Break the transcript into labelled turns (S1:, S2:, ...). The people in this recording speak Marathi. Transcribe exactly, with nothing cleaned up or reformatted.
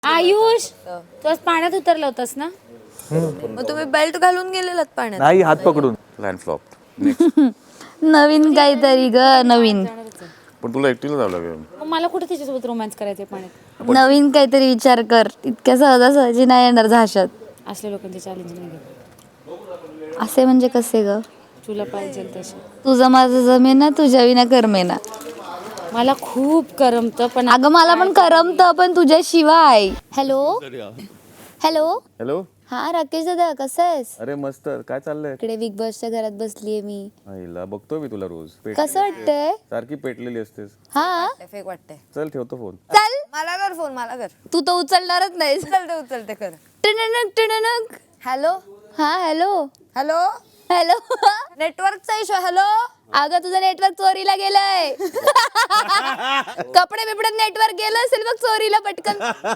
S1: आयुष तू आज पाण्यात उतरला होतास ना?
S2: मग तुम्ही बेल्ट घालून गेलेलात पाण्यात?
S3: नाही, हात पकडून.
S4: Plan flop.
S5: नवीन काहीतरी ग नवीन
S4: पण तुला एकटीला जावं लागेल.
S1: मग मला कुठे त्याच्यासोबत रोमॅन्स करायचे पाण्यात?
S5: नवीन काहीतरी विचार कर. इतक्या सहजासहजी नाही येणार झाशात.
S1: असल्या लोकांचे चॅलेंज नाही घेत.
S5: असे म्हणजे कसे ग?
S1: तुला पाहिजे तसे.
S5: तुझं माझं जमेना, तुझ्या विना करमेना.
S1: मला खूप करमतं पण
S5: अगं मला पण करमतं पण तुझ्याशिवाय. Hello hello
S3: hello.
S5: हा राकेश दादा कसा आहेस?
S3: अरे मस्त. काय चाललंय?
S5: इकडे बिग बॉसच्या घरात बसलीये मी.
S3: आईला बघतोय मी तुला रोज. पेट-
S5: कसं वाटतंय?
S3: सारखी पेटलेली असतेस.
S5: हा
S2: फेक वाटतंय.
S3: चल ठेवतो फोन.
S5: चल
S2: मला कर फोन, मला कर.
S5: तू तर उचलणारच नाही.
S2: उचलते उचलते कर.
S5: टिणनक टिणनक.
S2: हॅलो
S5: हा हॅलो
S2: हॅलो
S5: हॅलो.
S2: नेटवर्कचा इशू. हॅलो
S5: अगं तुझं नेटवर्क चोरीला गेलंय. कपडे बिपड्यात नेटवर्क गेलं असेल बघ चोरीला पटकन.